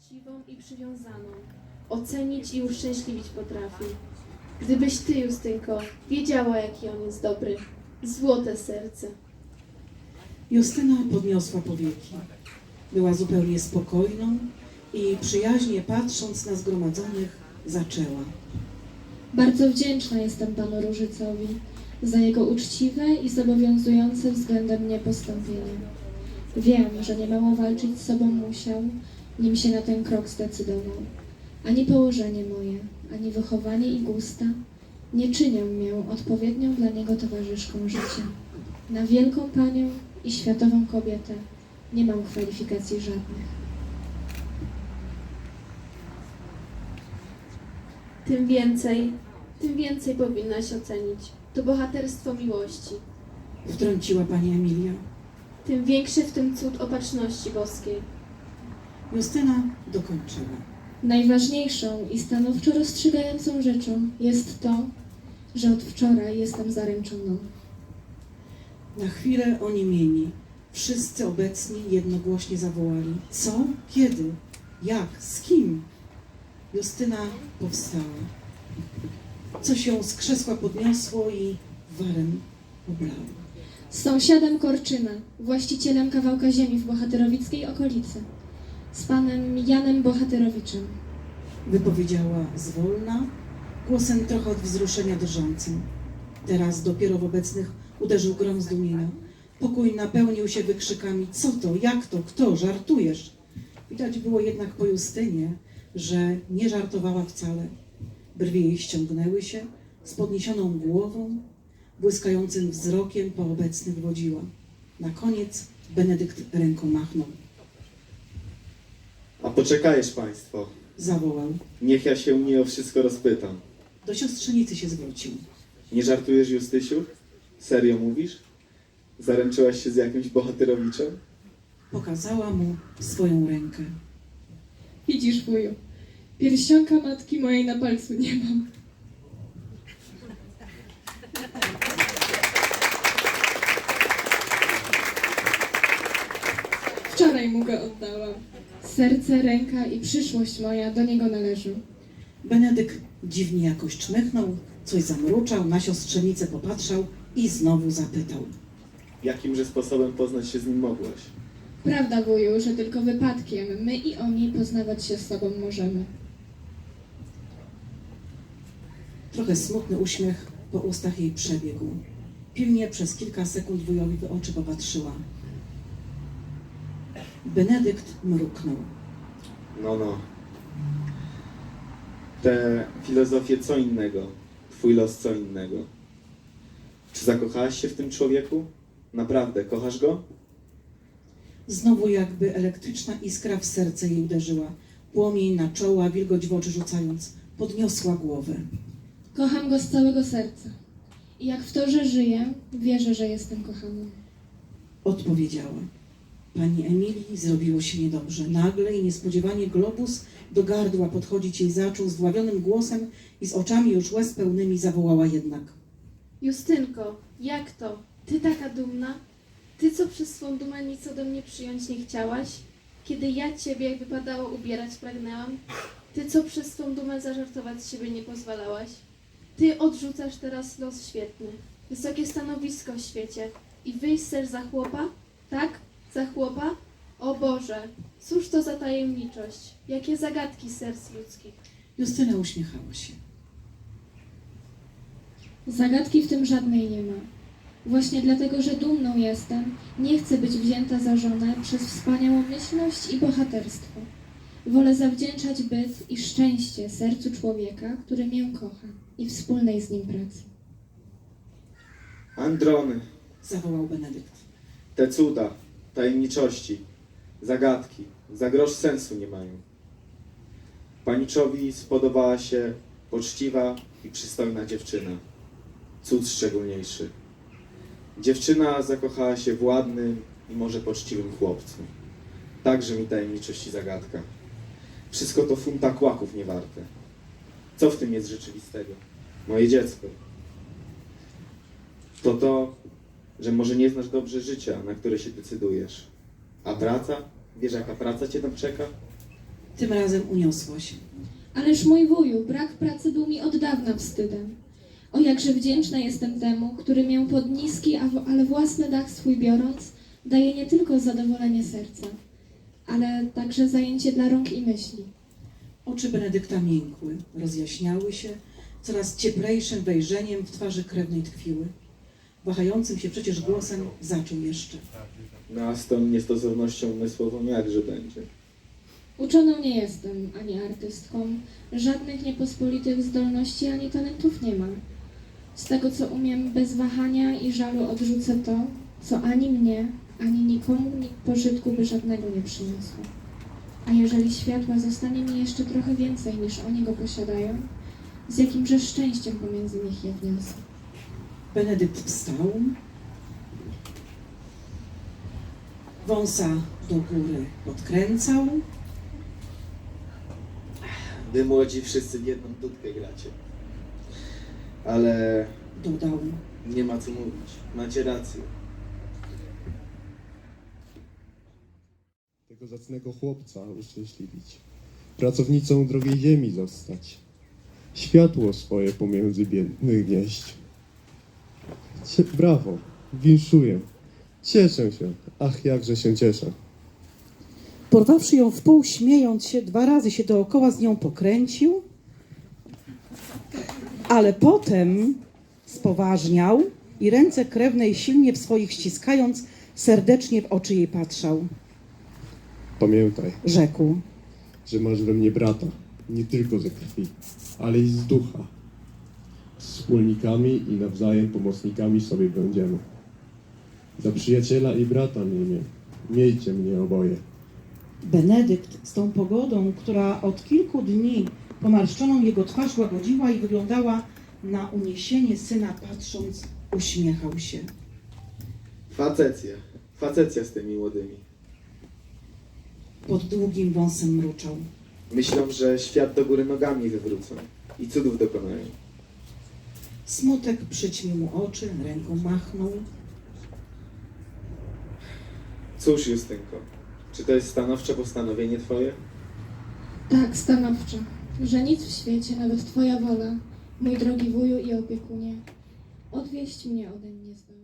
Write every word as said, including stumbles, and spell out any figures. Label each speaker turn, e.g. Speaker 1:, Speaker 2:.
Speaker 1: uczciwą i przywiązaną. Ocenić i uszczęśliwić potrafi. Gdybyś ty, Justynko, wiedziała, jaki on jest dobry. Złote serce.
Speaker 2: Justyna podniosła powieki. Była zupełnie spokojną i przyjaźnie patrząc na zgromadzonych, zaczęła.
Speaker 3: Bardzo wdzięczna jestem panu Różycowi za jego uczciwe i zobowiązujące względem mnie postąpienie. Wiem, że niemało walczyć z sobą musiał, nim się na ten krok zdecydował. Ani położenie moje, ani wychowanie i gusta nie czynią mnie odpowiednią dla niego towarzyszką życia. Na wielką panią i światową kobietę nie mam kwalifikacji żadnych.
Speaker 1: Tym więcej, tym więcej powinnaś ocenić. To bohaterstwo miłości.
Speaker 2: Wtrąciła pani Emilia.
Speaker 1: Tym większy w tym cud opatrzności boskiej.
Speaker 2: Justyna dokończyła.
Speaker 3: Najważniejszą i stanowczo rozstrzygającą rzeczą jest to, że od wczoraj jestem zaręczoną.
Speaker 2: Na chwilę oniemieni. Wszyscy obecni jednogłośnie zawołali. Co? Kiedy? Jak? Z kim? Justyna powstała. Coś ją z krzesła podniosło i warem oblało.
Speaker 3: Z sąsiadem Korczyna, właścicielem kawałka ziemi w bohaterowickiej okolicy, z panem Janem Bohaterowiczem.
Speaker 2: Wypowiedziała zwolna, głosem trochę od wzruszenia drżącym. Teraz dopiero w obecnych uderzył grom zdumienia. Pokój napełnił się wykrzykami. Co to? Jak to? Kto? Żartujesz? Widać było jednak po Justynie, że nie żartowała wcale. Brwi jej ściągnęły się, z podniesioną głową, błyskającym wzrokiem po obecnych wodziła. Na koniec Benedykt ręką machnął.
Speaker 4: A poczekajesz państwo,
Speaker 2: Zawołał.
Speaker 4: niech ja się u niej o wszystko rozpytam.
Speaker 2: Do siostrzenicy się zwrócił.
Speaker 4: Nie żartujesz, Justysiu? Serio mówisz? Zaręczyłaś się z jakimś bohaterowiczem?
Speaker 2: Pokazała mu swoją rękę.
Speaker 3: Widzisz, wuju, pierścionka matki mojej na palcu nie mam. Wczoraj mu go oddałam. Serce, ręka i przyszłość moja do niego należą.
Speaker 2: Benedykt dziwnie jakoś czmychnął, coś zamruczał, na siostrzenicę popatrzał i znowu zapytał.
Speaker 4: Jakimże sposobem poznać się z nim mogłaś?
Speaker 3: Prawda, wuju, że tylko wypadkiem my i oni poznawać się z sobą możemy.
Speaker 2: Trochę smutny uśmiech po ustach jej przebiegł. Pilnie przez kilka sekund wujowi w oczy popatrzyła. Benedykt mruknął.
Speaker 4: No, no. Te filozofie co innego, twój los co innego. Czy zakochałaś się w tym człowieku? Naprawdę, kochasz go?
Speaker 2: Znowu jakby elektryczna iskra w serce jej uderzyła. Płomień na czoło, a wilgoć w oczy rzucając. Podniosła głowę.
Speaker 3: Kocham go z całego serca. I jak w to, że żyję, wierzę, że jestem kochaną.
Speaker 2: Odpowiedziała. Pani Emilii zrobiło się niedobrze. Nagle i niespodziewanie globus do gardła podchodzić jej zaczął zdławionym głosem i z oczami już łez pełnymi zawołała jednak.
Speaker 1: Justynko, jak to? Ty taka dumna? Ty, co przez swą dumę nic ode mnie przyjąć nie chciałaś? Kiedy ja ciebie, jak wypadało, ubierać pragnęłam? Ty, co przez swą dumę zażartować z siebie nie pozwalałaś? Ty odrzucasz teraz los świetny, wysokie stanowisko w świecie i wyjść ser za chłopa? Tak? Za chłopa? O Boże, cóż to za tajemniczość? Jakie zagadki serc ludzkich?
Speaker 2: Justyna uśmiechała się.
Speaker 3: Zagadki w tym żadnej nie ma. Właśnie dlatego, że dumną jestem, nie chcę być wzięta za żonę przez wspaniałomyślność i bohaterstwo. Wolę zawdzięczać byt i szczęście sercu człowieka, który mię kocha i wspólnej z nim pracy.
Speaker 4: Androny,
Speaker 2: Zawołał Benedykt.
Speaker 4: te cuda, tajemniczości, zagadki, za grosz sensu nie mają. Paniczowi spodobała się poczciwa i przystojna dziewczyna. Cud szczególniejszy. Dziewczyna zakochała się w ładnym i może poczciwym chłopcu. Także mi tajemniczość i zagadka. Wszystko to funta kłaków niewarte. Co w tym jest rzeczywistego? Moje dziecko. To to, że może nie znasz dobrze życia, na które się decydujesz. A praca? Wiesz, jaka praca cię tam czeka?
Speaker 2: Tym razem uniosło się.
Speaker 3: Ależ mój wuju, brak pracy był mi od dawna wstydem. O jakże wdzięczna jestem temu, który mię pod niski, a w- ale własny dach swój biorąc, daje nie tylko zadowolenie serca, ale także zajęcie dla rąk i myśli.
Speaker 2: Oczy Benedykta miękły, rozjaśniały się, coraz cieplejszym wejrzeniem w twarzy krewnej tkwiły. Wahającym się przecież głosem zaczął jeszcze.
Speaker 4: No a z tą niestosownością umysłową jakże będzie?
Speaker 3: Uczoną nie jestem, ani artystką, żadnych niepospolitych zdolności ani talentów nie mam. Z tego, co umiem, bez wahania i żalu odrzucę to, co ani mnie, ani nikomu ni- pożytku by żadnego nie przyniosło. A jeżeli światła zostanie mi jeszcze trochę więcej niż oni go posiadają, z jakimże szczęściem pomiędzy nich je wniosę.
Speaker 2: Benedykt wstał, wąsa do góry podkręcał,
Speaker 4: Wy młodzi wszyscy w jedną dudkę gracie. Ale
Speaker 2: dodał.
Speaker 4: nie ma co mówić. Macie rację.
Speaker 5: Tego zacnego chłopca uszczęśliwić, pracownicą drogiej ziemi zostać, światło swoje pomiędzy biednych wnieść. Cie- Brawo, winszuję, cieszę się, ach jakże się cieszę.
Speaker 2: Porwawszy ją w pół, śmiejąc się, dwa razy się dookoła z nią pokręcił, ale potem spoważniał i ręce krewnej silnie w swoich ściskając, serdecznie w oczy jej patrzał.
Speaker 5: Pamiętaj,
Speaker 2: Rzekł.
Speaker 5: że masz we mnie brata, nie tylko ze krwi, ale i z ducha. Wspólnikami i nawzajem pomocnikami sobie będziemy. Za przyjaciela i brata mnie, miejcie mnie oboje.
Speaker 2: Benedykt z tą pogodą, która od kilku dni pomarszczoną jego twarz łagodziła i wyglądała na uniesienie syna patrząc, uśmiechał się.
Speaker 4: Facecja. Facecja z tymi młodymi.
Speaker 2: Pod długim wąsem mruczał.
Speaker 4: Myślą, że świat do góry nogami wywrócą i cudów dokonają.
Speaker 2: Smutek przyćmił mu oczy, ręką machnął.
Speaker 4: Cóż, Justynko, czy to jest stanowcze postanowienie twoje?
Speaker 3: Tak, stanowczo, że nic w świecie, nawet twoja wola, mój drogi wuju i opiekunie, odwieść mnie ode mnie zdoła.